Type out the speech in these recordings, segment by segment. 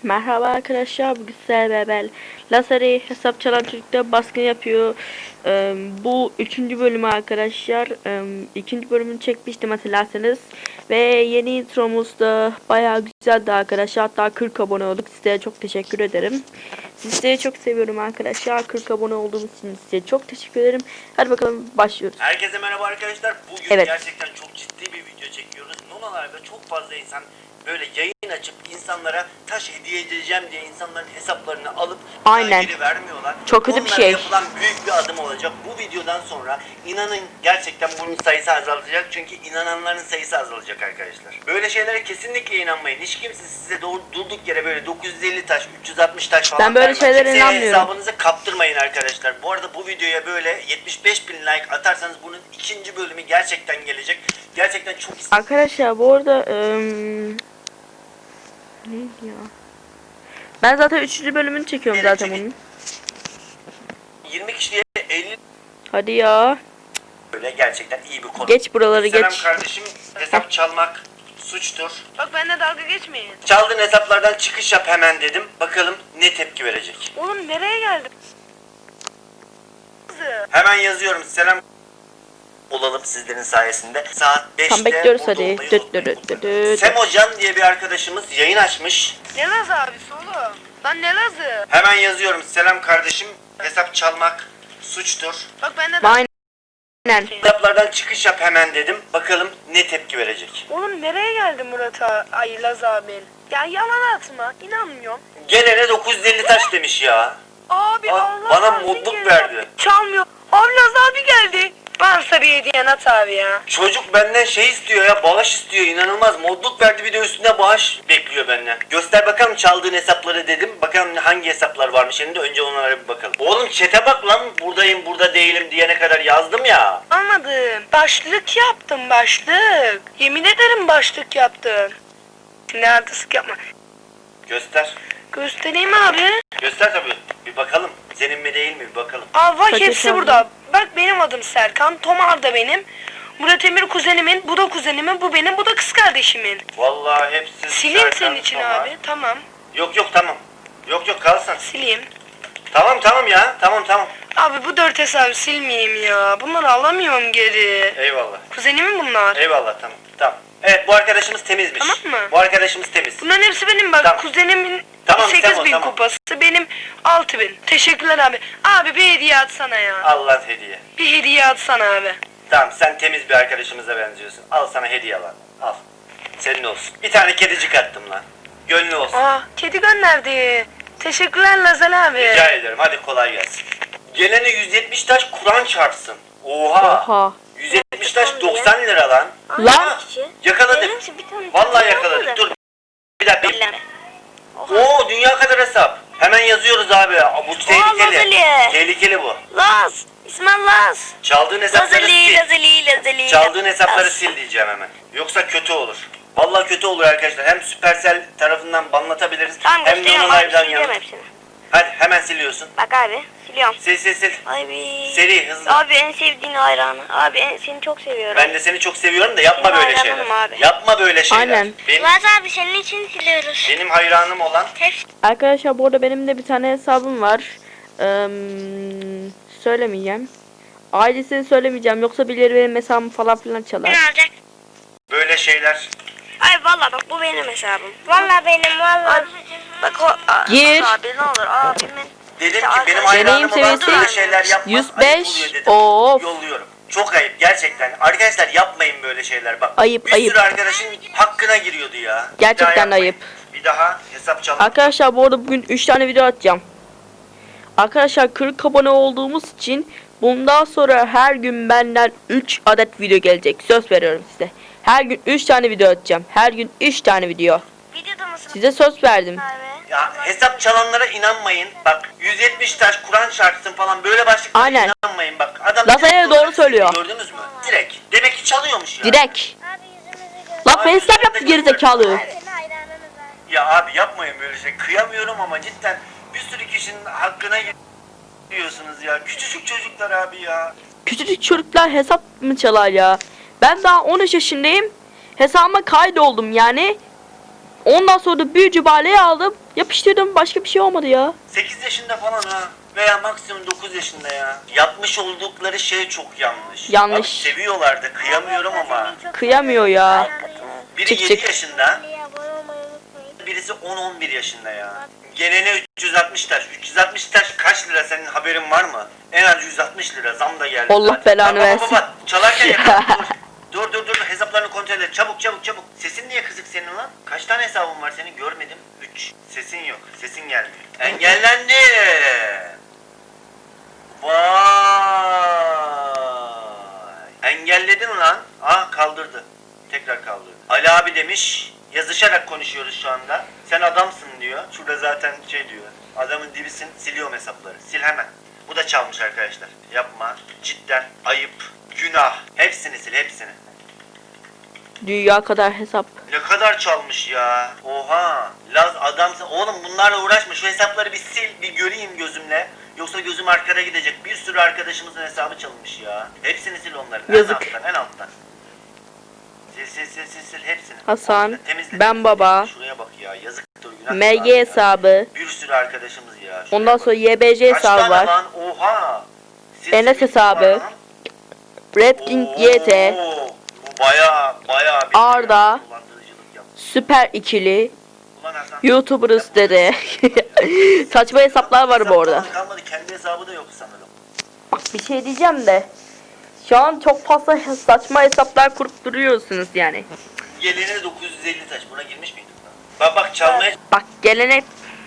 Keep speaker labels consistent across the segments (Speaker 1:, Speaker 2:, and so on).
Speaker 1: Merhaba arkadaşlar, bugün sizlerle beraber Lazeri hesap çalan çocukta baskın yapıyor. Bu 3. bölümü arkadaşlar. 2. bölümünü çekmiştim hatırlarsanız. Ve yeni intromuz da bayağı güzeldi arkadaşlar. Hatta 40 abone olduk. Size çok teşekkür ederim. Sizleri çok seviyorum arkadaşlar. 40 abone olduğunuz için size çok teşekkür ederim. Hadi bakalım başlıyoruz.
Speaker 2: Herkese merhaba arkadaşlar. Bugün gerçekten çok ciddi bir video çekiyoruz. Nonalarda çok fazla insan böyle yayın açıp insanlara taş hediye edeceğim diye insanların hesaplarını alıp geri vermiyorlar.
Speaker 1: Çok kötü bir şey.
Speaker 2: Yapılan büyük bir adım olacak. Bu videodan sonra inanın gerçekten bunun sayısı azalacak. Çünkü inananların sayısı azalacak arkadaşlar. Böyle şeylere kesinlikle inanmayın. Hiç kimse size durduk yere böyle 950 taş, 360 taş falan
Speaker 1: ben böyle şeylere inanmıyorum.
Speaker 2: Hesabınızı kaptırmayın arkadaşlar. Bu arada bu videoya böyle 75.000 like atarsanız bunun ikinci bölümü gerçekten gelecek. Gerçekten çok
Speaker 1: arkadaşlar bu arada neydi ya? Ben zaten 3. bölümünü çekiyorum zaten bunun.
Speaker 2: 20 kişiye 50.
Speaker 1: Hadi ya.
Speaker 2: Böyle gerçekten iyi bir konu.
Speaker 1: Geç buraları
Speaker 2: Selam
Speaker 1: geç.
Speaker 2: kardeşim, hesap çalmak suçtur.
Speaker 3: Bak benimle dalga geçmeyin.
Speaker 2: Çaldığın hesaplardan çıkış yap hemen dedim. Bakalım ne tepki verecek.
Speaker 3: Oğlum nereye geldim?
Speaker 2: Hemen yazıyorum. Selam olalım sizlerin sayesinde. Saat 5'te
Speaker 1: tam bekliyoruz hadi.
Speaker 2: Semocan diye bir arkadaşımız yayın açmış.
Speaker 3: Ne Laz abisi oğlum? Lan ne Laz'ı?
Speaker 2: Hemen yazıyorum. Selam kardeşim, hesap çalmak suçtur.
Speaker 3: Bak benimle dalga.
Speaker 1: Aynen.
Speaker 2: Hesaplardan çıkış yap hemen dedim. Bakalım ne tepki verecek.
Speaker 3: Oğlum nereye geldi Murat Ay Laz abin? Ya yalan atma. İnanmıyorum.
Speaker 2: Gelene 950 taş demiş ya.
Speaker 3: Abi Allah
Speaker 2: Bana
Speaker 3: razı
Speaker 2: mutluluk
Speaker 3: olsun.
Speaker 2: verdi.
Speaker 3: Çalmıyor. Abi Laz abi geldi. Varsa bir hediyen at abi ya.
Speaker 2: Çocuk benden şey istiyor ya, bağış istiyor, inanılmaz. Modluk verdi, bir de üstüne bağış bekliyor benden. Göster bakalım çaldığın hesapları dedim. Bakalım hangi hesaplar varmış elinde, önce onlara bir bakalım. Oğlum chat'e bak lan, buradayım burada değilim diyene kadar yazdım ya.
Speaker 3: Anladım. Başlık yaptım başlık. Yemin ederim başlık yaptım. Ne artistlik yapma.
Speaker 2: Göster.
Speaker 3: Göstereyim abi.
Speaker 2: Göster tabii. Bir bakalım. Senin mi değil mi bir bakalım.
Speaker 3: Aa bak
Speaker 1: Kaç
Speaker 3: hepsi
Speaker 1: hesabı?
Speaker 3: burada. Bak benim adım Serkan. Tomar da benim. Murat Emir kuzenimin. Bu da kuzenimin. Bu benim. Bu da kız kardeşimin.
Speaker 2: Vallahi hepsi
Speaker 3: Sileyim
Speaker 2: Serkan,
Speaker 3: senin için
Speaker 2: Tomar.
Speaker 3: abi. Tamam.
Speaker 2: Yok tamam. Yok kalsın.
Speaker 3: Sileyim.
Speaker 2: Tamam ya. Tamam.
Speaker 3: Abi bu 4 hesabı silmeyeyim ya. Bunları alamıyorum geri.
Speaker 2: Eyvallah.
Speaker 3: Kuzenimin bunlar.
Speaker 2: Eyvallah tamam. Evet, bu arkadaşımız temizmiş.
Speaker 3: Tamam mı?
Speaker 2: Bu arkadaşımız temiz.
Speaker 3: Bunların hepsi benim bak.
Speaker 2: Tamam.
Speaker 3: Kuzenimin
Speaker 2: Tamam,
Speaker 3: 8.000
Speaker 2: tamam.
Speaker 3: kupası. Benim 6.000. Teşekkürler abi. Abi bir hediye atsana ya.
Speaker 2: Allah hediye.
Speaker 3: Bir hediye atsana abi.
Speaker 2: Tamam, sen temiz bir arkadaşımıza benziyorsun. Al sana hediye lan. Al. Senin olsun. Bir tane kedicik attım lan. Gönlü olsun.
Speaker 3: Aa kedi gönderdi. Teşekkürler Lazal abi.
Speaker 2: Rica ederim. Hadi kolay gelsin. Gelene 170 taş Kur'an çarpsın. Oha. 170 taş 90 lira lan.
Speaker 1: Lan.
Speaker 2: Yakaladık. Vallahi yakaladık. Dur. Bir dakika. Oo, dünya kadar hesap. Hemen yazıyoruz abi. Bu tehlikeli.
Speaker 3: Lazali.
Speaker 2: Tehlikeli bu.
Speaker 3: Laz. İsmail Laz.
Speaker 2: Çaldığın hesapları sil.
Speaker 3: Lazali.
Speaker 2: Çaldığın hesapları sil diyeceğim hemen. Yoksa kötü olur. Vallahi kötü olur arkadaşlar. Hem Supercell tarafından banlatabiliriz.
Speaker 3: Tamam
Speaker 2: Hem de
Speaker 3: gösteriyorum
Speaker 2: onun
Speaker 3: abi
Speaker 2: live'dan
Speaker 3: sileceğim
Speaker 2: yanı.
Speaker 3: hepsini.
Speaker 2: Hadi hemen siliyorsun.
Speaker 3: Bak abi siliyorum.
Speaker 2: Sil.
Speaker 3: Abi.
Speaker 2: Seri, hızlı.
Speaker 3: Abi en sevdiğin hayranı. Abi seni çok seviyorum.
Speaker 2: Ben de seni çok seviyorum da yapma
Speaker 3: Benim
Speaker 2: böyle şeyler.
Speaker 3: hayranım abi.
Speaker 2: Yapma böyle şeyler.
Speaker 1: Aynen.
Speaker 3: Laz abi senin için siliyoruz.
Speaker 2: Benim hayranım olan
Speaker 1: Arkadaşlar bu arada benim de bir tane hesabım var. Söylemeyeceğim. Ailesini söylemeyeceğim, yoksa birileri benim hesabımı falan filan çalar.
Speaker 3: Ne alacak?
Speaker 2: böyle şeyler.
Speaker 3: Ay valla bak bu benim hesabım. Valla benim valla. Bak o
Speaker 1: Gir.
Speaker 3: abi ne olur abimin.
Speaker 2: Dedim ki benim
Speaker 3: Deneyim
Speaker 2: hayranım olan
Speaker 1: seviyesi
Speaker 2: böyle şeyler yapmaz.
Speaker 1: 105.
Speaker 2: Ayıp oluyor dedim.
Speaker 1: Of.
Speaker 2: Yolluyorum. Çok ayıp gerçekten. Arkadaşlar yapmayın böyle şeyler bak.
Speaker 1: Ayıp,
Speaker 2: bir
Speaker 1: ayıp.
Speaker 2: sürü arkadaşın hakkına giriyordu ya. Bir
Speaker 1: Gerçekten
Speaker 2: daha yapmayın.
Speaker 1: ayıp.
Speaker 2: Bir daha hesap çalın.
Speaker 1: Arkadaşlar bu arada bugün 3 tane video atacağım. Arkadaşlar 40 abone olduğumuz için bundan sonra her gün benden 3 adet video gelecek. Söz veriyorum size. Her gün 3 tane video atacağım. Her gün 3 tane video.
Speaker 3: Videoda mısın
Speaker 1: Size söz verdim.
Speaker 3: abi?
Speaker 2: Ya hesap çalanlara inanmayın. Bak 170 taş Kur'an çarpsın falan böyle başlıklara
Speaker 1: Aynen.
Speaker 2: inanmayın bak. Adam
Speaker 1: Lazaya
Speaker 2: direkt
Speaker 1: doğru
Speaker 2: olarak
Speaker 1: söylüyor.
Speaker 2: Gördünüz mü? Direkt. Demek ki çalıyormuş ya.
Speaker 1: Direkt. Lan facecam yaptı gerizekalı.
Speaker 2: Ya abi yapmayın böyle şey. Kıyamıyorum ama cidden bir sürü kişinin hakkına giriyorsunuz ya. Küçücük çocuklar abi ya.
Speaker 1: Küçücük çocuklar hesap mı çalar ya? Ben daha 13 yaşındayım. Hesabıma kaydoldum yani. Ondan sonra da büyücü baleyi aldım. Yapıştırdım. Başka bir şey olmadı ya.
Speaker 2: 8 yaşında falan ha. Veya maksimum 9 yaşında ya. Yapmış oldukları şey çok yanlış.
Speaker 1: Yanlış.
Speaker 2: Bak, seviyorlardı. Kıyamıyorum ama.
Speaker 1: Kıyamıyor ya.
Speaker 2: Biri
Speaker 1: Çık,
Speaker 2: 7
Speaker 1: çık.
Speaker 2: yaşında. Birisi 10-11 yaşında ya. Gelene 360 taş. 360 taş kaç lira, senin haberin var mı? En az 160 lira. Zam da geldi.
Speaker 1: Allah
Speaker 2: zaten.
Speaker 1: belanı versin.
Speaker 2: Çalarken yakala. Dur. Hesaplarını kontrol et. Çabuk. Sesin niye kızık senin lan? Kaç tane hesabın var senin? Görmedim. 3. Sesin yok. Sesin gelmiyor. Engellendi. Vay. Engelledin lan. Ah, kaldırdı. Tekrar kaldırdı. Ali abi demiş. Yazışarak konuşuyoruz şu anda. Sen adamsın diyor. Şurada zaten şey diyor. Adamın dibisin. Siliyorum hesapları. Sil hemen. Bu da çalmış arkadaşlar. Yapma. Cidden ayıp. Günah. Hepsini sil, hepsini.
Speaker 1: Dünya kadar hesap.
Speaker 2: Ne kadar çalmış ya. Oha. Laz adamsın. Oğlum bunlarla uğraşma. Şu hesapları bir sil. Bir göreyim gözümle. Yoksa gözüm arkada gidecek. Bir sürü arkadaşımızın hesabı çalınmış ya. Hepsini sil onların.
Speaker 1: Yazık.
Speaker 2: En alttan. Sil hepsini.
Speaker 1: Hasan,
Speaker 2: Temizle,
Speaker 1: ben
Speaker 2: temizle.
Speaker 1: baba.
Speaker 2: Şuraya bak ya. Yazıktır, günah.
Speaker 1: MG
Speaker 2: ya.
Speaker 1: hesabı.
Speaker 2: Bir sürü arkadaşımız ya. Şuraya
Speaker 1: Ondan
Speaker 2: bak.
Speaker 1: sonra YBC
Speaker 2: Kaç
Speaker 1: hesabı
Speaker 2: tane
Speaker 1: var.
Speaker 2: lan? Oha.
Speaker 1: Enes hesabı. Red King YT.
Speaker 2: Oo, bu bayağı bir
Speaker 1: Arda.
Speaker 2: dolandırıcılık yaptı.
Speaker 1: Süper ikili.
Speaker 2: Ulan Hasan.
Speaker 1: YouTuber'ız dedi. Saçma hesaplar var bu arada.
Speaker 2: Hesap falan kalmadı. Kendi hesabı da yok sanırım.
Speaker 1: Bak bir şey diyeceğim de. Şu an çok fazla saçma hesaplar kurup duruyorsunuz yani.
Speaker 2: Gelene 950 taş. Buna girmiş miydik lan? Bak çalmaya
Speaker 1: Bak gelene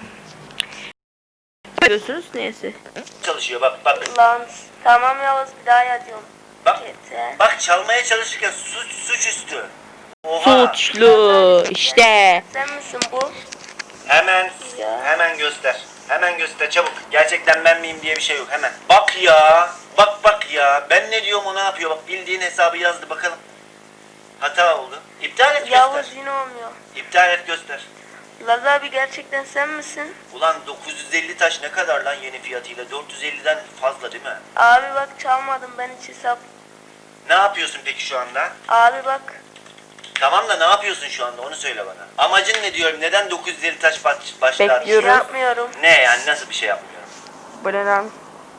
Speaker 1: diyorsunuz neyse.
Speaker 2: çalışıyor. Bak.
Speaker 3: Lan tamam Yavuz, bir daha yazıyorum.
Speaker 2: Bak.
Speaker 3: Yeter.
Speaker 2: Bak, çalmaya çalışırken suçüstü. Oha.
Speaker 1: Suçlu işte.
Speaker 3: Sen misin bu?
Speaker 2: Hemen göster. Hemen göster çabuk. Gerçekten ben miyim diye bir şey yok, hemen. Bak ya. Bak ya. Ben ne diyorum o ne yapıyor? Bak, bildiğin hesabı yazdı, bakalım. Hata oldu. İptal et, göster.
Speaker 3: Yavuz yine olmuyor.
Speaker 2: İptal et, göster.
Speaker 3: Laz abi gerçekten sen misin?
Speaker 2: Ulan 950 taş ne kadar lan yeni fiyatıyla? 450'den fazla değil mi?
Speaker 3: Abi bak çalmadım ben hiç hesap.
Speaker 2: Ne yapıyorsun peki şu anda?
Speaker 3: Abi bak.
Speaker 2: Tamam da ne yapıyorsun şu anda, onu söyle bana. Amacın ne diyorum? Neden 950 taş başlattın?
Speaker 1: Bekliyorum.
Speaker 3: Yapmıyorum.
Speaker 2: Ne yani, nasıl bir şey yapmıyorum?
Speaker 1: Bu ne lan?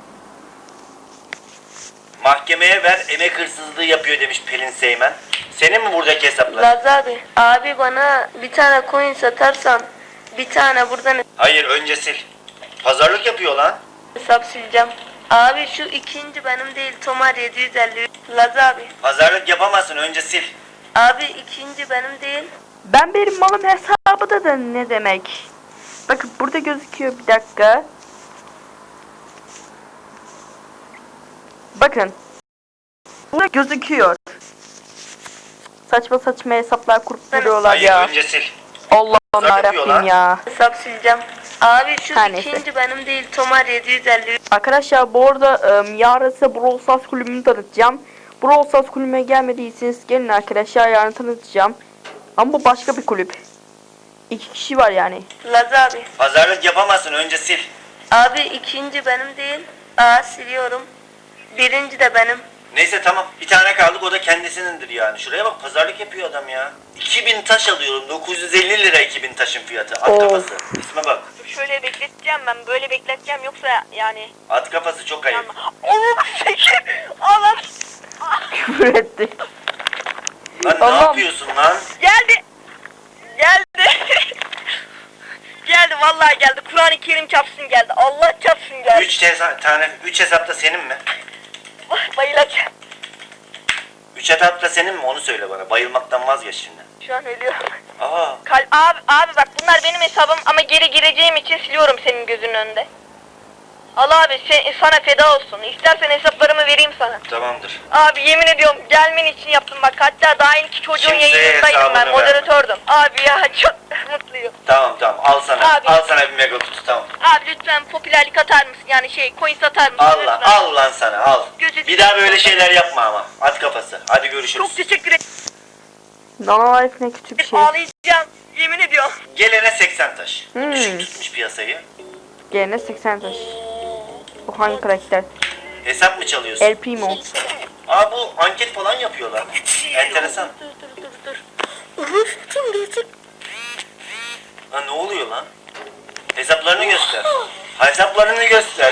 Speaker 2: Mahkemeye ver, emek hırsızlığı yapıyor demiş Pelin Seymen. Senin mi buradaki hesaplar?
Speaker 3: Laz abi. Abi bana bir tane coin satarsan bir tane buradan
Speaker 2: Hayır, önce sil. Pazarlık yapıyor lan.
Speaker 3: hesap sileceğim. Abi şu ikinci benim değil, Tomar 750. Laz abi.
Speaker 2: Pazarlık yapamazsın, önce sil.
Speaker 3: Abi ikinci benim değil.
Speaker 1: Benim malım hesabı da ne demek? Bakın burada gözüküyor, bir dakika. Bakın. Burada gözüküyor. Saçma hesaplar kurup duruyorlar
Speaker 2: Hayır,
Speaker 1: ya.
Speaker 2: önce sil.
Speaker 1: Allah'ım
Speaker 2: Pazarlık yapıyor lan.
Speaker 1: yarabbim ya.
Speaker 3: Hesap sileceğim. Abi şu
Speaker 1: Her neyse.
Speaker 3: ikinci benim değil, Tomar 750.
Speaker 1: Arkadaşlar bu arada yarın size Brawl Stars kulübünü tanıtacağım. Brawl Stars kulübüne gelmediyseniz gelin arkadaşlar, yarın tanıtacağım. Ama bu başka bir kulüp. 2 kişi var yani.
Speaker 3: Laz abi.
Speaker 2: Pazarlık yapamazsın, önce sil.
Speaker 3: Abi ikinci benim değil. Siliyorum. Birinci de benim.
Speaker 2: Neyse tamam, bir tane kaldık, o da kendisinindir yani. Şuraya bak, pazarlık yapıyor adam ya. 2000 taş alıyorum, 950 lira 2000 taşın fiyatı. At
Speaker 1: Of.
Speaker 2: kafası. İsme bak.
Speaker 4: Şöyle bekleteceğim, ben böyle bekleteceğim, yoksa yani.
Speaker 2: At kafası çok ayıp.
Speaker 4: Oğlum çekil. Alan
Speaker 1: Küfür etti.
Speaker 2: Lan ne
Speaker 1: Allah'ım.
Speaker 2: yapıyorsun lan?
Speaker 4: geldi. Geldi vallahi geldi. Kur'an-ı Kerim çarpsın geldi. Allah çarpsın geldi.
Speaker 2: 3 hesapta senin mi?
Speaker 4: Bayılacağım.
Speaker 2: 3 hesapta senin mi? Onu söyle bana. Bayılmaktan vazgeç şimdi.
Speaker 4: Şu an ölüyorum.
Speaker 2: Aa,
Speaker 4: Abi bak, bunlar benim hesabım ama geri gireceğim için siliyorum senin gözünün önünde. Al abi, sana feda olsun. İstersen hesaplarımı vereyim sana.
Speaker 2: tamamdır.
Speaker 4: Abi yemin ediyorum gelmen için yaptım bak. Hatta daha ilk çocuğun
Speaker 2: Kimseye
Speaker 4: yayınındaydım, ben
Speaker 2: hesabını
Speaker 4: moderatördüm. Abi ya çok mutluyum.
Speaker 2: Tamam al sana.
Speaker 4: Abi.
Speaker 2: Al sana bir mega kutu, tamam.
Speaker 4: Abi lütfen popülerlik atar mısın? Yani coin satar mısın?
Speaker 2: Al lan,
Speaker 4: Lütfen.
Speaker 2: al lan sana, al.
Speaker 4: Gözü-
Speaker 2: Bir daha böyle şeyler yapma ama. At kafası. Hadi görüşürüz.
Speaker 4: Çok teşekkür ederim.
Speaker 1: Nano Life ne kötü bir şey.
Speaker 4: Ağlayacağım. Yemin ediyorum.
Speaker 2: Gelene 80 taş.
Speaker 1: Hmm.
Speaker 2: Düşük tutmuş piyasayı.
Speaker 1: Gene 80 taş. Bu hangi karakter?
Speaker 2: Hesap mı çalıyorsun?
Speaker 1: El Primo.
Speaker 2: Aa, bu anket falan yapıyorlar. Enteresan.
Speaker 3: Dur. Kim gelecek?
Speaker 2: Lan ne oluyor lan? Hesaplarını göster. Hesaplarını göster.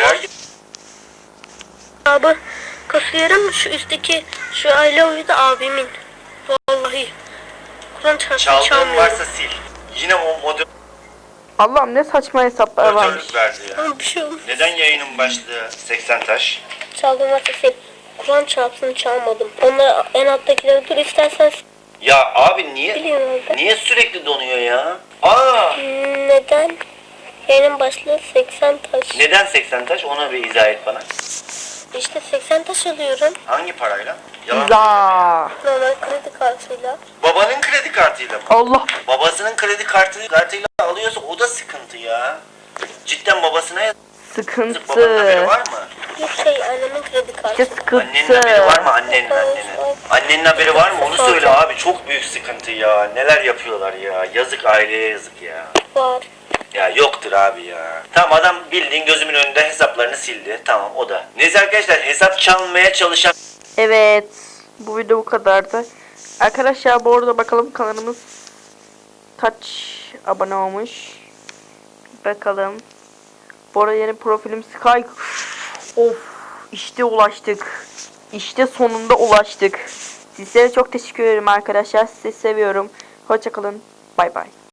Speaker 3: Abi kasıyorum şu üstteki şu I love you da abimin. Vallahi. Kur'an çarpsın
Speaker 2: Çaldığın
Speaker 3: çalmıyorum.
Speaker 2: varsa sil. Yine o
Speaker 1: Allah'ım ne saçma hesaplar varmış.
Speaker 2: moderatörlük verdi ya.
Speaker 3: Ama bir şey olmaz.
Speaker 2: Neden yayının başlığı 80 taş?
Speaker 3: Çaldığım varsa sil. Kur'an çarpsın çalmadım. Onları en alttakileri dur istersen
Speaker 2: Ya abi niye?
Speaker 3: biliyorum orada.
Speaker 2: Niye sürekli donuyor ya? Aa!
Speaker 3: Neden? Yayının başlığı 80 taş.
Speaker 2: Neden 80 taş? Ona bir izah et bana.
Speaker 3: İşte 80 taş alıyorum.
Speaker 2: Hangi parayla? Yalan.
Speaker 1: İza.
Speaker 3: Normal kredi kartıyla.
Speaker 2: Babanın kredi kartıyla mı?
Speaker 1: Allah.
Speaker 2: Babasının kredi kartıyla alıyorsa o da sıkıntı ya. Cidden babasına yazık. Babanın haberi
Speaker 1: Sıkıntı.
Speaker 2: var mı?
Speaker 3: Yok annemin kredi kartı.
Speaker 1: İşte
Speaker 2: Annenin haberi var
Speaker 1: sıkıntı.
Speaker 2: mı? Annenin. Annenin haberi var mı? Onu söyle abi. Çok büyük sıkıntı ya. Neler yapıyorlar ya. Yazık, aileye yazık ya.
Speaker 3: Var.
Speaker 2: Ya yoktur abi ya. Tamam, adam bildiğin gözümün önünde hesaplarını sildi. Tamam, o da. Neyse arkadaşlar, hesap çalmaya çalışan...
Speaker 1: Evet. Bu video bu kadardı. Arkadaşlar bu arada bakalım kanalımız kaç abone olmuş. Bakalım. Bu arada yeni profilim Sky. Of. İşte ulaştık. İşte sonunda ulaştık. Sizlere çok teşekkür ederim arkadaşlar. Sizi seviyorum. Hoşça kalın. Bay bay.